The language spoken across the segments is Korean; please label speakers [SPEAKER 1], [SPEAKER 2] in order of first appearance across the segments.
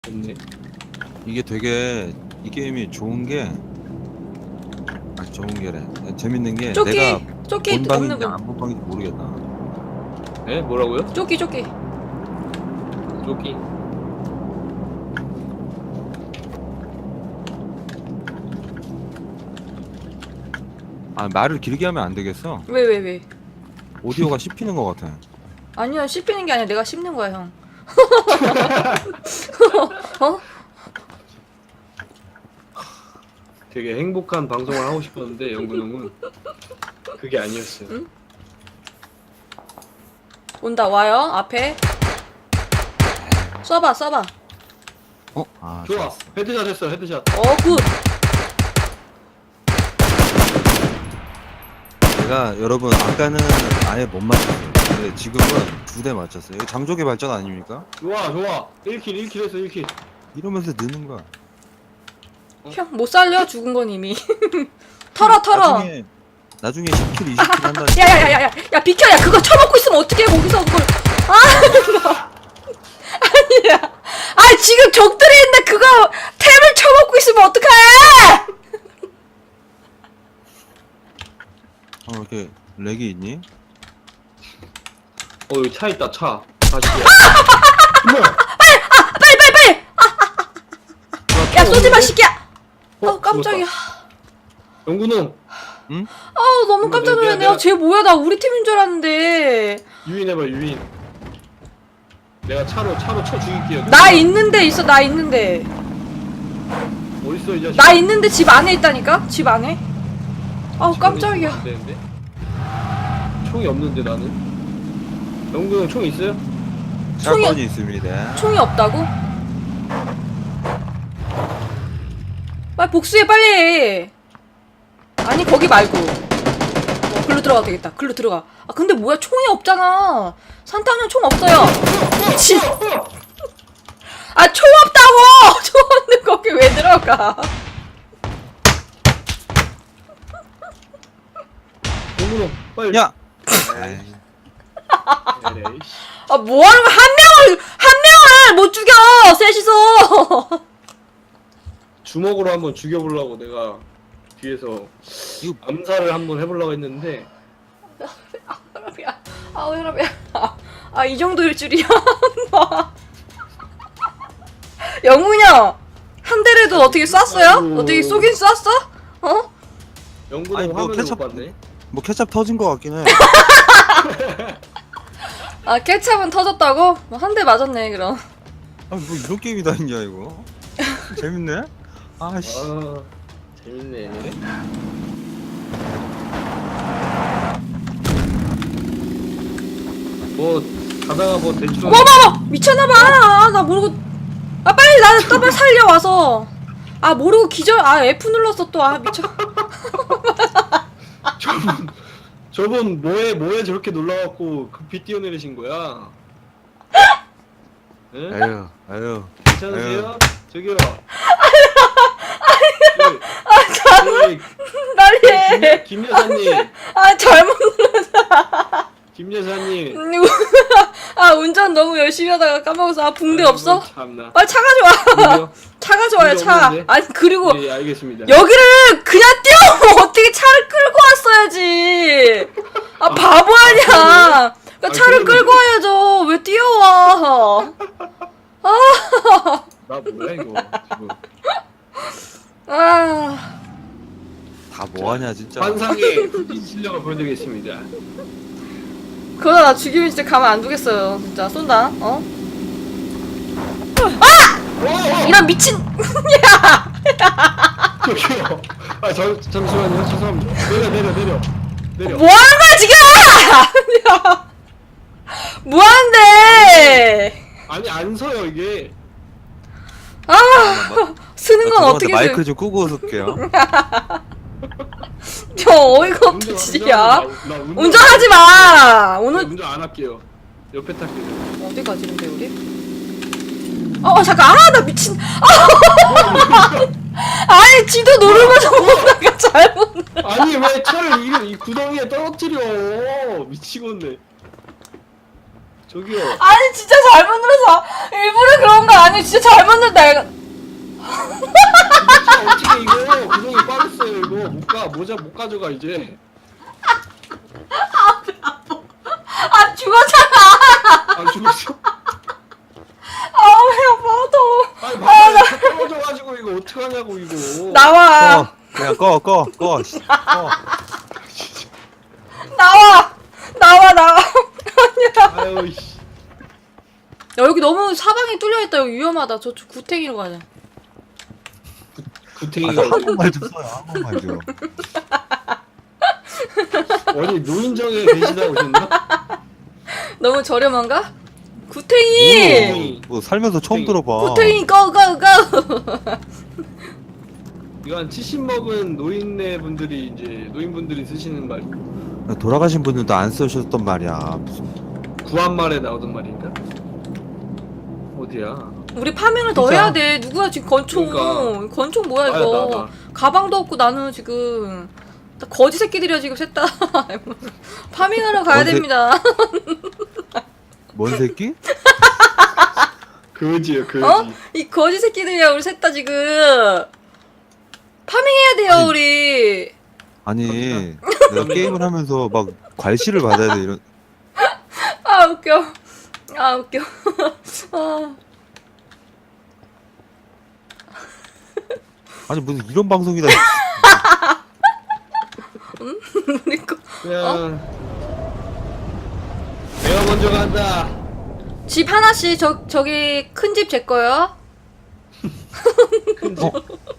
[SPEAKER 1] 없네.
[SPEAKER 2] 이게 되게 이 게임이 좋은 게 좋은 게래. 재밌는 게
[SPEAKER 3] 조끼
[SPEAKER 2] 내가
[SPEAKER 3] 조끼
[SPEAKER 2] 본
[SPEAKER 3] 없는
[SPEAKER 2] 방인지
[SPEAKER 3] 거.
[SPEAKER 2] 안 본 방인지 모르겠다.
[SPEAKER 1] 에? 뭐라고요?
[SPEAKER 3] 조끼
[SPEAKER 1] 조끼.
[SPEAKER 2] 말을 길게 하면 안 되겠어.
[SPEAKER 3] 왜?
[SPEAKER 2] 오디오가 씹히는 것 같아.
[SPEAKER 3] 아니야, 씹히는 게 아니라 내가 씹는 거야, 형. 어?
[SPEAKER 1] 되게 행복한 방송을 하고 싶었는데 영근형은 그게 아니었어요.
[SPEAKER 3] 응? 온다, 와요, 앞에. 쏴봐.
[SPEAKER 2] 아,
[SPEAKER 1] 좋아.
[SPEAKER 2] 좋았어.
[SPEAKER 1] 헤드샷 했어. 헤드샷.
[SPEAKER 3] 굿.
[SPEAKER 2] 제가 여러분 아까는 아예 못 맞췄어요. 근데 지금은 2대 맞췄어요. 이거 장족의 발전 아닙니까?
[SPEAKER 1] 좋아. 1킬 했어. 1킬.
[SPEAKER 2] 이러면서 느는 거야.
[SPEAKER 3] 형, 못 살려? 죽은 건 이미. 털어.
[SPEAKER 2] 나중에 10킬, 20킬 한다.
[SPEAKER 3] 야, 비켜! 야, 그거 쳐먹고 있으면 어떡해, 거기서 그걸. 아니야. 지금 적들이 있는데 그거 탭을 쳐먹고 있으면 어떡해!
[SPEAKER 2] 이렇게 렉이 있니?
[SPEAKER 1] 여기 차 있다. 차. 다시야.
[SPEAKER 3] 빨리! 야, 쏘지마, 시끼야! 깜짝이야.
[SPEAKER 1] 영근형
[SPEAKER 2] 응?
[SPEAKER 3] 너무 깜짝 놀랐네.
[SPEAKER 1] 내가-
[SPEAKER 3] 쟤 뭐야, 나 우리 팀인 줄 알았는데.
[SPEAKER 1] 유인해봐. 유인. 내가 차로 쳐 죽일게요.
[SPEAKER 3] 나 있는데 있어, 나 있는데.
[SPEAKER 1] 어딨어 이 자식?
[SPEAKER 3] 나 있는데 집 안에 있다니까? 집 안에? 깜짝이야.
[SPEAKER 1] 안 되는데? 총이 없는데 나는. 영근형 총 있어요?
[SPEAKER 2] 샷건이 있습니다.
[SPEAKER 3] 총이 없다고? 빨리 복수해, 빨리. 아니, 거기 말고. 글로 들어가도 되겠다. 글로 들어가. 근데 뭐야, 총이 없잖아. 산타는 총 없어요. 미친. 총 없다고! 총 없는 거기 왜 들어가?
[SPEAKER 1] 영근형 빨리.
[SPEAKER 2] 야!
[SPEAKER 1] 에이, 씨.
[SPEAKER 3] 뭐 하는 거야? 한 명을 못 죽여! 셋이서!
[SPEAKER 1] 주먹으로 한번 죽여보려고 내가 뒤에서
[SPEAKER 2] 이거
[SPEAKER 1] 암살을 한번 해보려고 했는데
[SPEAKER 3] 혈압이야. 이 정도일 줄이야. 영훈이 형! 한 대라도 어떻게 쐈어요?
[SPEAKER 1] 아이고.
[SPEAKER 3] 어떻게 쏘긴 쐈어? 어?
[SPEAKER 1] 영근형
[SPEAKER 2] 아니, 뭐
[SPEAKER 1] 화면을
[SPEAKER 2] 케첩-
[SPEAKER 1] 못 봤네.
[SPEAKER 2] 뭐 케찹 터진 것 같긴 해.
[SPEAKER 3] 케찹은 터졌다고? 한 대 맞았네, 그럼.
[SPEAKER 2] 뭐 이런 게임이 다 있냐 이거? 재밌네? 아씨.
[SPEAKER 1] 아 재밌네. 뭐 가다가 뭐 대충
[SPEAKER 3] 어머머머! 미쳤나봐! 나 모르고. 빨리 나를 더블 살려와서. 모르고 기절. F 눌렀어 또. 미쳐.
[SPEAKER 1] 저분 뭐에 저렇게 놀라갖고 급히 뛰어내리신 거야? 예?
[SPEAKER 2] 아유.
[SPEAKER 1] 괜찮으세요? 저기요.
[SPEAKER 3] 빨리 해.
[SPEAKER 1] 김 여사님,
[SPEAKER 3] 잘못 눌렀어.
[SPEAKER 1] 김 여사님.
[SPEAKER 3] 운전 너무 열심히 하다가 까먹어서. 붕대 없어?
[SPEAKER 1] 참나.
[SPEAKER 3] 빨리 차 가져와. 차 가져와요,
[SPEAKER 1] 붕대
[SPEAKER 3] 차.
[SPEAKER 1] 없는데?
[SPEAKER 3] 그리고
[SPEAKER 1] 예, 알겠습니다.
[SPEAKER 3] 여기를 그냥 뛰어오면 어떻게 차를 끌고 왔어야지. 바보 아니야. 그러니까 차를
[SPEAKER 1] 그러면-
[SPEAKER 3] 끌고 와야죠. 왜 뛰어와.
[SPEAKER 1] 나 뭐야 이거 지금.
[SPEAKER 2] 다 뭐하냐 진짜.
[SPEAKER 1] 환상의 후진 실력을 보여드리겠습니다.
[SPEAKER 3] 그러다 나 죽이면 진짜 가만 안 두겠어요. 진짜 쏜다. 이런 미친. 야.
[SPEAKER 1] 저기요. 잠시만요. 죄송합니다. 내려.
[SPEAKER 3] 뭐 하는 거야 지금? 야. 뭐 하는데?
[SPEAKER 1] 아니 안 서요 이게.
[SPEAKER 3] 쓰는 건
[SPEAKER 2] 죄송한데
[SPEAKER 3] 어떻게
[SPEAKER 2] 마이크 좀 끄고 웃을게요.
[SPEAKER 3] 저 어이가 없네 진짜.
[SPEAKER 1] 나
[SPEAKER 3] 운전하지 마. 오늘
[SPEAKER 1] 운전 안 할게요. 옆에 탈게요.
[SPEAKER 3] 어디 가지 근데 우리? 잠깐. 나 미친. 아니 지도 누르면서 오다가 잘못.
[SPEAKER 1] 아니 왜 차를 이 구덩이에 떨어뜨려? 미치겠네. 저기요.
[SPEAKER 3] 아니 진짜 잘못 눌러서 일부러 그런 거 아니에요. 진짜 잘못 눌렀다 얘가.
[SPEAKER 1] 차 어떻게 이거 구멍이 빠졌어요 이거 모자 못 가져가 이제.
[SPEAKER 3] 아 죽었잖아.
[SPEAKER 1] 안 죽었어.
[SPEAKER 3] 아배 아파.
[SPEAKER 1] 아니 바닥에 차 떨어져가지고 이거 어떡하냐고 이거.
[SPEAKER 3] 나와.
[SPEAKER 2] 그냥 꺼.
[SPEAKER 3] 나와. 아니야.
[SPEAKER 1] 아유 씨.
[SPEAKER 3] 야 여기 너무 사방이 뚫려있다. 여기 위험하다. 저쪽 구탱이로 가자.
[SPEAKER 1] 구탱이가
[SPEAKER 2] 한번만 좀 써요. 한 번만 좀.
[SPEAKER 1] 어디 노인정에 계시다 오셨나?
[SPEAKER 3] 너무 저렴한가? 구탱이.
[SPEAKER 2] 뭐 살면서 처음 들어봐.
[SPEAKER 3] 구탱이 고고고.
[SPEAKER 1] 이거 한 70 먹은 노인분들이 쓰시는 말.
[SPEAKER 2] 돌아가신 분들도 안 쓰셨단 말이야. 무슨
[SPEAKER 1] 구한말에 나오던 말인가? 어디야?
[SPEAKER 3] 우리 파밍을 더
[SPEAKER 2] 진짜.
[SPEAKER 3] 해야 돼. 누구야 지금 권총?
[SPEAKER 1] 그러니까.
[SPEAKER 3] 권총 뭐야
[SPEAKER 1] 나야,
[SPEAKER 3] 이거?
[SPEAKER 1] 나.
[SPEAKER 3] 가방도 없고 나는 지금 다 거지 새끼들이야 지금 셋 다. 파밍하러 가야
[SPEAKER 2] 뭔데?
[SPEAKER 3] 됩니다.
[SPEAKER 2] 뭔 새끼?
[SPEAKER 1] 그지요 그지.
[SPEAKER 3] 어? 이 거지 새끼들이야 우리 셋 다 지금. 파밍해야 돼요
[SPEAKER 2] 아니.
[SPEAKER 3] 우리.
[SPEAKER 2] 아니 내가 게임을 하면서 막 괄시를 받아야 돼 이런.
[SPEAKER 3] 아 웃겨. 아 웃겨. 아.
[SPEAKER 2] 아니 무슨 이런 방송이다.
[SPEAKER 3] 우리 거.
[SPEAKER 1] 그냥 내가 먼저 간다.
[SPEAKER 3] 집 하나씩 저기 큰 집 제 거요.
[SPEAKER 1] 큰 집.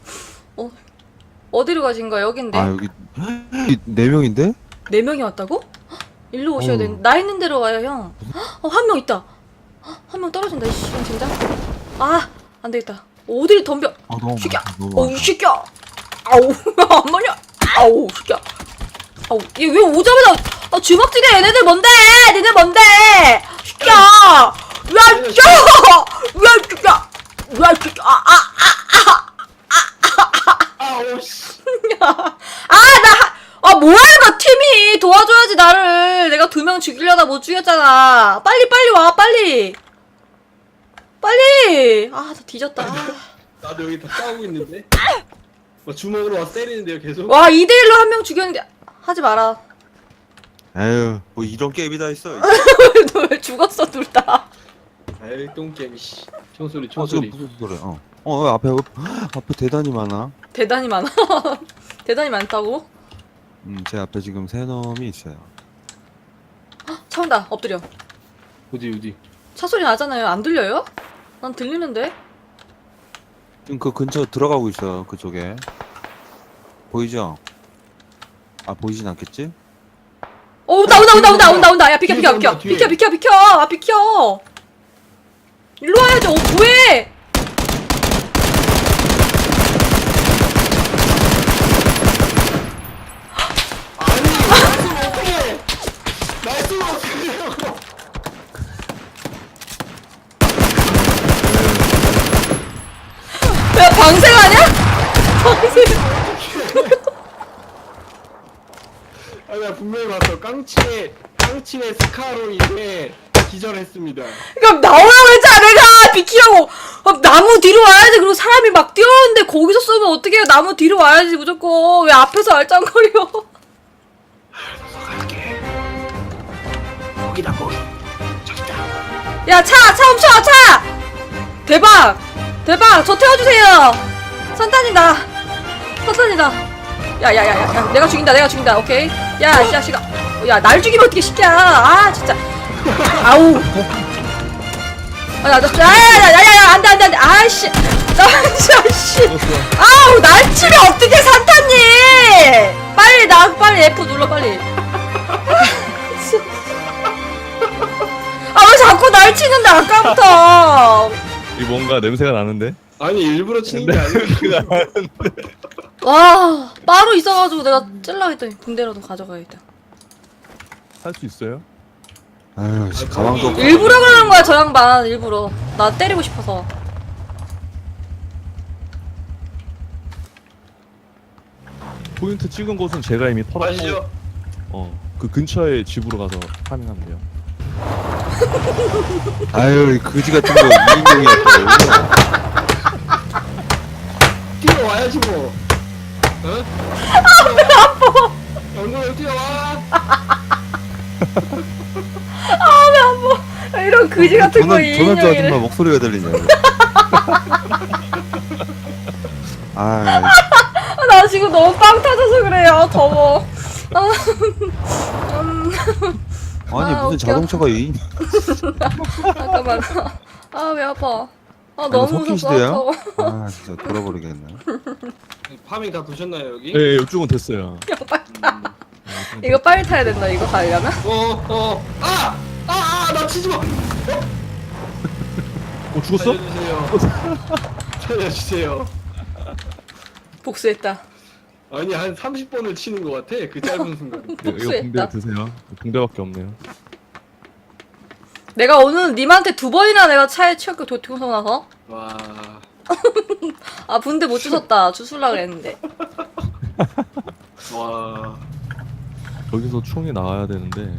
[SPEAKER 3] 어디로 가신 거야? 여긴데.
[SPEAKER 2] 아 여기 4명인데?
[SPEAKER 3] 4명이 왔다고? 일로 오셔야 돼. 나 있는 데로 와요, 형. 한 명 있다. 한 명 떨어진다, 이 시간 진짜. 아, 안 되겠다. 어디를 덤벼.
[SPEAKER 2] 아 너무
[SPEAKER 3] 새끼야.
[SPEAKER 2] 많다, 너무
[SPEAKER 3] 어우,
[SPEAKER 2] 많다.
[SPEAKER 3] 새끼야. 아우, 안 맞냐? 아우, 새끼야. 아우, 얘 왜 오자마자, 주먹질해, 얘네들 뭔데? 니네 뭔데? 새끼야. 왜, 새끼야. 왜, 새끼야. 왜, 새끼야.
[SPEAKER 1] 아우 씨.
[SPEAKER 3] 뭐야 이거 팀이 도와줘야지 나를. 내가 2명 죽이려다 못 죽였잖아. 빨리 와 빨리. 아 나 뒤졌다.
[SPEAKER 1] 나도 여기 다 싸우고 있는데. 뭐 주먹으로 와서 때리는데요 계속.
[SPEAKER 3] 와 2대1로 한 명 죽였는데 하지 마라.
[SPEAKER 2] 에휴 뭐 이런 게임이 다 있어.
[SPEAKER 3] 너 왜 죽었어 둘 다.
[SPEAKER 1] 아이 똥개미 씨. 총소리
[SPEAKER 2] 지금
[SPEAKER 1] 총소리.
[SPEAKER 2] 무슨 소리? 앞에 대단히 많아.
[SPEAKER 3] 대단히 많아. 대단히 많다고?
[SPEAKER 2] 제 앞에 지금 3놈이 있어요.
[SPEAKER 3] 차 온다. 엎드려.
[SPEAKER 1] 어디.
[SPEAKER 3] 차 소리 나잖아요. 안 들려요? 난 들리는데.
[SPEAKER 2] 지금 그 근처 들어가고 있어요. 그쪽에 보이죠? 아 보이진 않겠지?
[SPEAKER 3] 온다. 야 비켜.
[SPEAKER 1] 뒤에 온다, 뒤에.
[SPEAKER 3] 비켜. 아 비켜. 일로 와야지. 뭐해?
[SPEAKER 1] 말씀 어떡해요.
[SPEAKER 3] 야 방생하냐? 방생.
[SPEAKER 1] 아 내가 분명히 봤어. 깡치의 스카로 인해 기절했습니다.
[SPEAKER 3] 그럼 나오라고 했잖아 내가. 비키라고. 나무 뒤로 와야지. 그리고 사람이 막 뛰어오는데 거기서 쏘면 어떡해요. 나무 뒤로 와야지 무조건. 왜 앞에서 알짱거려.
[SPEAKER 1] 갈게. 거기다 거기. 저기다.
[SPEAKER 3] 야 차 멈춰 차. 대박 저 태워주세요. 선탄이다. 야 내가 죽인다. 오케이. 야 이 자식아. 야 날 죽이면 어떻게 시켜. 아 진짜. 아우. 야야야야야 안돼. 아씨. 씨. 아우 날 치면 어떻게 산타님. 빨리 F 눌러 빨리. 아 왜 자꾸 날 치는데 아까부터.
[SPEAKER 4] 이 뭔가 냄새가 나는데?
[SPEAKER 1] 아니 일부러 치는 게 아니고.
[SPEAKER 3] 와 바로 있어가지고 내가 찔러 했더니 붕대라도 가져가야겠다.
[SPEAKER 4] 할 수 있어요?
[SPEAKER 2] 아유 씨, 가방도 없고.
[SPEAKER 3] 일부러 그러는 거야 저 양반. 일부러 나 때리고 싶어서.
[SPEAKER 4] 포인트 찍은 곳은 제가 이미 털었고
[SPEAKER 1] 아시죠?
[SPEAKER 4] 그 근처에 집으로 가서 파밍하면 돼요.
[SPEAKER 2] 아유 이 거지 같은 거 2인용이었다고.
[SPEAKER 1] 뛰어와야지 뭐. 어? 연구를 뛰어와.
[SPEAKER 3] 이런 그지 같은 거
[SPEAKER 2] 조난조 아줌마
[SPEAKER 3] 이인용이래.
[SPEAKER 2] 목소리가 들리냐고. 아
[SPEAKER 3] 나 지금 너무 빵 터져서 그래요. 더워.
[SPEAKER 2] 아니
[SPEAKER 3] 아,
[SPEAKER 2] 무슨
[SPEAKER 3] 웃겨.
[SPEAKER 2] 자동차가 2인.
[SPEAKER 3] 잠깐만. 아 왜 아파. 아
[SPEAKER 2] 이거
[SPEAKER 3] 너무
[SPEAKER 2] 석기
[SPEAKER 3] 무서워.
[SPEAKER 2] 시대야?
[SPEAKER 3] 더워.
[SPEAKER 2] 아 진짜 돌아버리겠네.
[SPEAKER 1] 파밍 다 도셨나요 여기?
[SPEAKER 4] 예, 이쪽은 됐어요.
[SPEAKER 3] 이거 빨리 타야 된다. 이거 가려면.
[SPEAKER 1] 나 치지 마.
[SPEAKER 4] 죽었어?
[SPEAKER 1] 살려주세요. 살려주세요.
[SPEAKER 3] 복수했다.
[SPEAKER 1] 아니 한 30번을 치는 것 같아. 그 짧은 순간.
[SPEAKER 4] 이거
[SPEAKER 3] 복수했다.
[SPEAKER 4] 붕대 드세요. 붕대밖에 없네요.
[SPEAKER 3] 내가 오늘 님한테 2번이나 내가 차에 치였고 도통서 나서.
[SPEAKER 1] 와.
[SPEAKER 3] 아 분대 못 주웠다. 주술라 그랬는데.
[SPEAKER 1] 와.
[SPEAKER 4] 여기서 총이 나와야 되는데.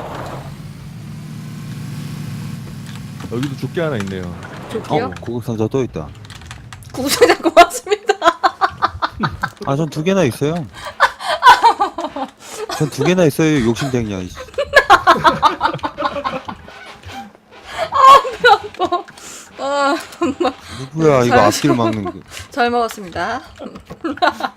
[SPEAKER 4] 여기도 조끼 하나 있네요.
[SPEAKER 3] 좋게요.
[SPEAKER 2] 고급상자 또 있다.
[SPEAKER 3] 구구장장 고맙습니다.
[SPEAKER 2] 아 전 2개나 있어요. 전 2개나 있어요. 욕심쟁이야. 이씨.
[SPEAKER 3] 아,
[SPEAKER 2] 누구야 이거
[SPEAKER 3] 잘
[SPEAKER 2] 앞길 막는 게.
[SPEAKER 3] 잘 먹었습니다.